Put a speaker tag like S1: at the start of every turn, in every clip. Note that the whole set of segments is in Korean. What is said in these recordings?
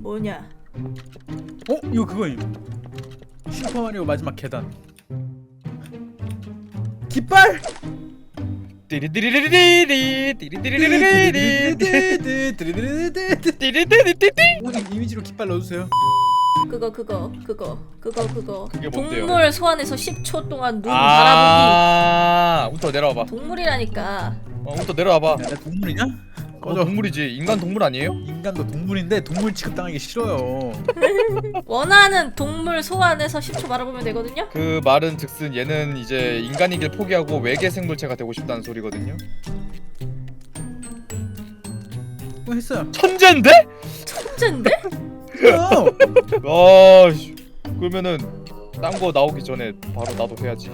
S1: 뭐냐?
S2: 이거 그거임. 슈퍼마리오 마지막 계단. 깃발!
S3: 띠리띠리리리리 띠리띠리리리리 띠리띠리띠리.
S2: 오늘 이미지로 깃발 넣어주세요.
S1: 그거
S3: 그게 뭔데요?
S1: 동물 소환해서 10초 동안 눈 바라보기.
S3: 운터 내려와봐.
S1: 동물이라니까.
S3: 운터 내려와봐.
S2: 나 동물이냐?
S3: 동물이지. 인간 동물 아니에요?
S2: 인간도 동물인데 동물 취급당하기 싫어요.
S1: 원하는 동물 소환해서 10초 바라보면 되거든요.
S3: 그 말은 즉슨 얘는 이제 인간이길 포기하고 외계 생물체가 되고 싶다는 소리거든요.
S2: 했어요.
S3: 천재인데?
S1: 천재인데?
S3: 씨. 그러면은 딴 거 나오기 전에 바로 나도 해야지.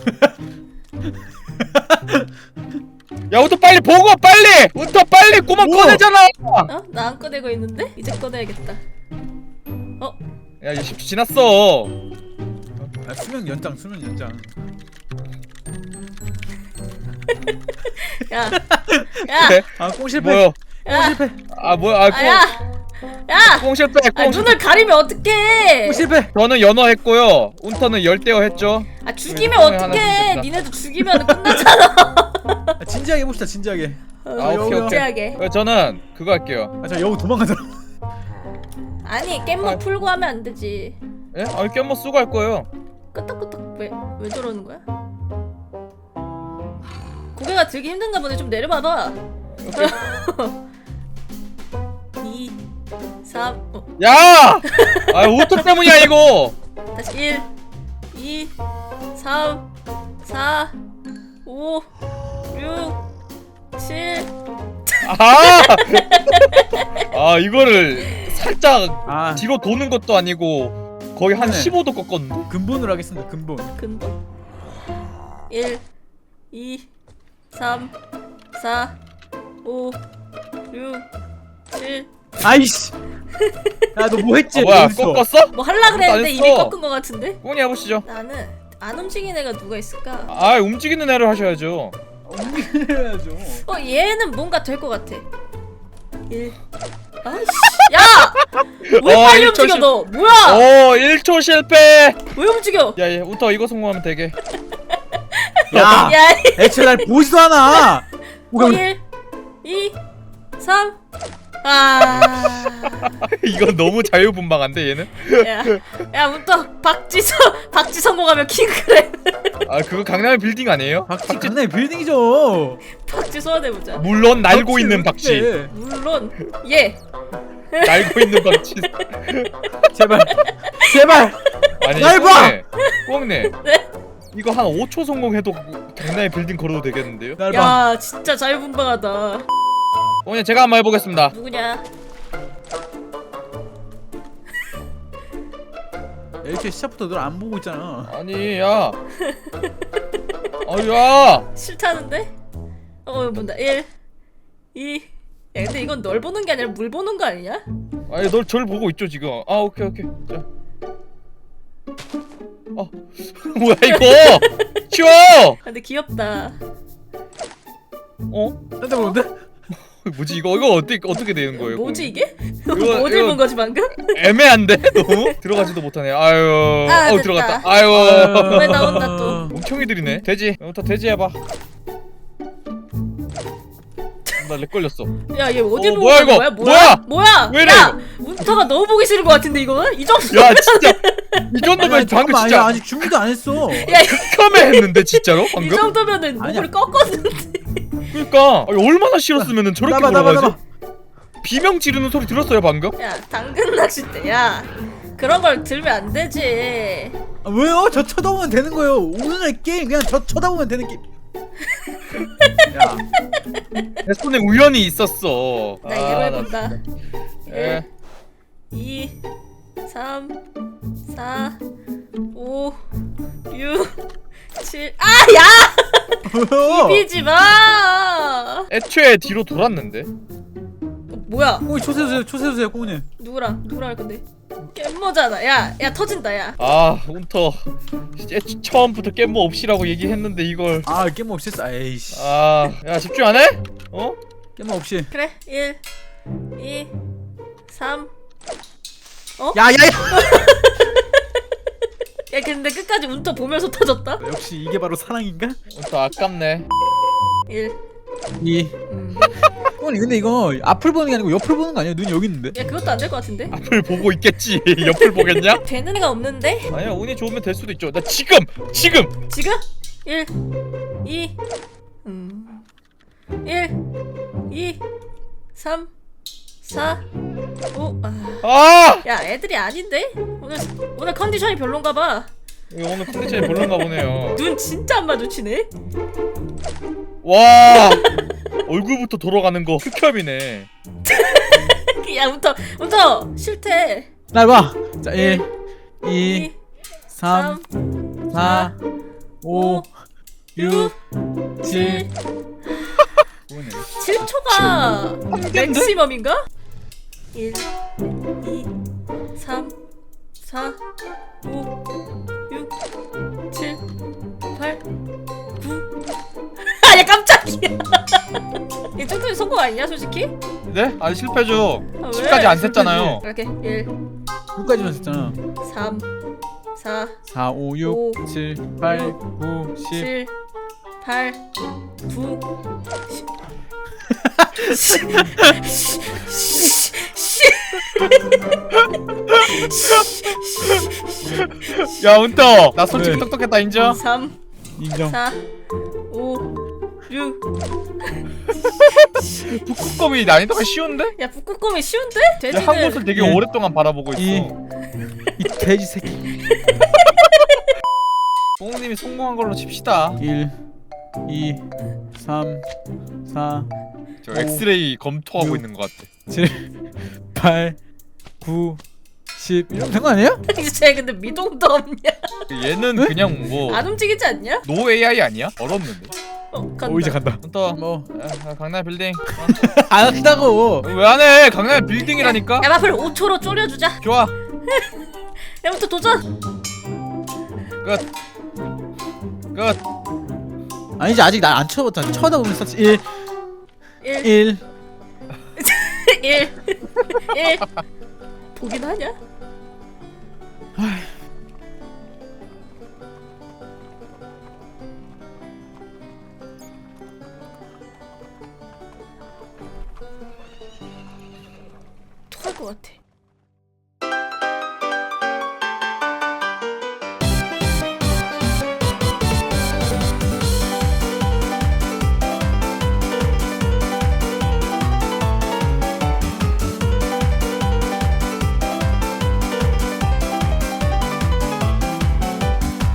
S3: 야, 운터 빨리 보고 빨리! 운터 빨리 꼬막 꺼내잖아!
S1: 나 안 꺼내고 있는데? 이제 꺼내야겠다.
S3: 야, 이제 10초 지났어.
S2: 수명 연장.
S1: 야,
S3: 그래?
S2: 꽁 실패.
S3: 뭐요?
S1: 야,
S2: 실패.
S3: 뭐야?
S1: 야,
S3: 꽁 실패.
S1: 눈을 가리면 어떡해?
S2: 실패.
S3: 저는 연어 했고요. 운터는 열대어 했죠.
S1: 죽이면
S3: 하나
S1: 어떡해?
S3: 죽겠다.
S1: 니네도 죽이면 끝나잖아.
S2: 진지하게 해봅시다. 진지하게.
S3: 오케이.
S1: 진지하게.
S3: 저는 그거 할게요.
S2: 저 여우 도망가더라.
S1: 아니 깻모 풀고 하면 안 되지.
S3: 예? 깻모 쓰고 할 거예요.
S1: 끄떡끄떡 왜 저러는 거야? 고개가 들기 힘든가 보네. 좀 내려봐봐. 2 3
S3: 야! 운터 때문이야 이거.
S1: 다시 1 2 3 4 5 6 7
S3: 이거를 살짝 뒤로 도는 것도 아니고 거의 한
S2: 네.
S3: 15도 꺾었는데?
S2: 근본으로 하겠습니다. 근본.
S1: 1 2 3 4 5 6 7
S2: 아이씨. 야, 너 뭐 했지?
S3: 뭐야,
S2: 어딨어?
S3: 꺾었어?
S1: 뭐 할라 그랬는데
S3: 안
S1: 이미
S3: 했어.
S1: 꺾은 거 같은데?
S3: 꽁이 해보시죠.
S1: 나는 안 움직이는 애가 누가 있을까?
S3: 움직이는 애를 하셔야죠.
S2: 움직여야죠.
S1: 얘는 뭔가 될 것 같아. 1 아이씨 야! 왜 빨리
S3: 1초
S1: 움직여
S3: 실-
S1: 너? 뭐야?
S3: 1초 실패!
S1: 왜 움직여?
S3: 야, 운터 이거 성공하면 되게.
S2: 야,
S1: 야!
S2: 애초에 날 보지도 않아.
S1: 1 2 3
S3: 이건 너무 자유분방한데 얘는?
S1: 야 문터 박쥐 성공하면 킹크랩.
S3: 그거 강남의 빌딩 아니에요?
S2: 박쥐 강남의 빌딩이죠.
S1: 박쥐 소환해보자.
S3: 물론 날고 있는 박쥐.
S1: 물론 예.
S3: 날고 있는 박쥐.
S2: 제발.
S3: 아니,
S2: 날 봐!
S3: 꽁네.
S1: 네?
S3: 이거 한 5초 성공해도 강남의 빌딩 걸어도 되겠는데요?
S2: 날 봐.
S1: 야 진짜 자유분방하다.
S3: 꽁이 제가 한번 해보겠습니다.
S1: 누구냐?
S2: 이렇게 시작부터 널 안 보고 있잖아.
S3: 아니, 야. 야.
S1: 싫다는데? 본다. 1 2 야 근데 이건 널 보는 게 아니라 물 보는 거 아니냐?
S3: 아니, 절 보고 있죠 지금. 오케이. 자. 뭐야 이거? 치워.
S1: 근데 귀엽다.
S2: 딴데 보는데?
S3: 뭐지 이거 어떻게 되는 거예요?
S1: 뭐지 이게?
S3: 이거-
S1: 뭐
S3: 이거-
S1: 읽은 거지 방금?
S3: 애매한데 너무 들어가지도 못하네. 아유.
S1: 됐다.
S3: 들어갔다.
S1: 왜 나온다 또?
S3: 멍청이들이네. 돼지. 부터 돼지 해봐. 나 렉 걸렸어.
S1: 야 얘 어디 보고
S3: 뭐야,
S1: 있는
S3: 이거?
S1: 거야?
S3: 뭐야? 왜 이래,
S1: 야! 운터가 너무 보기 싫은 거 같은데 이거는? 이 정도?
S3: 야 진짜 이 정도면 방금
S2: 아니야,
S3: 진짜
S2: 아직 준비도 안 했어.
S1: 야
S3: 극혐해 했는데 진짜로
S1: 이
S3: 방금.
S1: 정도면은
S2: 아니야.
S1: 목을 꺾었는데.
S3: 그러니까 얼마나 싫었으면은 저렇게
S2: 나봐.
S3: 걸어가지. 비명 지르는 소리 들었어요 방금?
S1: 야 당근 낚싯대 야 그런 걸 들면 안 되지.
S2: 왜요? 저 쳐다보면 되는 거예요. 오늘의 게임 그냥 저 쳐다보면 되는 게임. 야,
S3: 내 손에 우연히 있었어.
S1: 나 이대로 해본다.
S3: 예.
S1: 2 3 4 5 6 7 야! 비비지 마!
S3: 애초에 뒤로 돌았는데.
S1: 뭐야?
S2: 꽁이 초세주세요, 꽁이.
S1: 누구랑 할 건데? 깻모잖아. 야 터진다 야.
S3: 운터 처음부터 깻모 없이라고 얘기했는데 이걸.
S2: 게임 없이 했어. 에이씨.
S3: 야 집중 안 해?
S2: 게임 없이.
S1: 그래 1 2 3
S2: 야야야.
S1: 야 근데 끝까지 운터 보면서 터졌다.
S2: 역시 이게 바로 사랑인가?
S3: 또 아깝네.
S1: 1.
S2: 2. 형님 근데 이거 앞을 보는 게 아니고 옆을 보는 거 아니야? 눈이 여기 있는데.
S1: 야 그것도 안 될 것 같은데?
S3: 앞을 보고 있겠지. 옆을 보겠냐?
S1: 되는 애가 없는데?
S3: 아니야, 운이 좋으면 될 수도 있죠. 나 지금.
S1: 지금? 1 2 1 2 3 4 5
S3: 아!
S1: 야 애들이 아닌데? 오늘 컨디션이 별론가 봐.
S3: 이거 오늘 컨디션이 별론가 보네요.
S1: 눈 진짜 안 마주치네.
S3: 와, 얼굴부터 돌아가는 거 흑협이네.
S1: 야 운터 싫대.
S2: 날 봐. 자 1 2
S1: 2
S2: 3 4 5 6 7 뭐네.
S1: 7초가 맥시멈인가? 1 2 3 4 5 6 7 8 9 아야 깜짝이야. 이 정도면 성공 아니냐 솔직히?
S3: 네? 아니 실패죠.
S1: 아, 왜?
S3: 10까지 안 셌잖아요.
S1: 이렇게 1
S2: 9까지만 했잖아.
S1: 3 4
S2: 4 5
S1: 오,
S2: 6 7 8 9 10
S1: 7 8 9
S3: 야, 운터. 나 솔직히
S2: 네.
S3: 똑똑했다 인정.
S1: 3
S2: 인정.
S1: 4 5 6
S3: 북극곰이 난이도가 쉬운데?
S1: 야 북극곰이 쉬운데?
S3: 야,
S1: 돼지는
S3: 한 곳을 되게
S2: 예.
S3: 오랫동안 바라보고 있어.
S2: 이 돼지 새끼.
S3: 뽕님이 성공한 걸로 칩시다.
S2: 1 2 3 4
S3: 저 엑스레이 검토하고
S2: 육.
S3: 있는 것 같아.
S2: 7 8 9 10 이러면 된 거 아니에요?
S1: 쟤 근데 미동도 없냐?
S3: 얘는
S2: 왜?
S3: 그냥 뭐
S1: 안 움직이지 않냐?
S3: 노 AI 아니야? 얼었는데.
S1: 간다.
S2: 오 이제 간다.
S3: 운터.
S2: 뭐
S3: 강남 빌딩.
S2: 안 한다고.
S3: 왜 안 해? 강남 빌딩이라니까.
S1: 야 마플 5초로 졸여주자.
S3: 좋아.
S1: 야부터 도전.
S3: 끝. 끝.
S2: 아니지 아직 날 안 쳐봤잖아. 쳐다보면 썼지. 1
S1: 1
S2: 1
S1: 1 1 보긴 하냐? 토할 것 같아.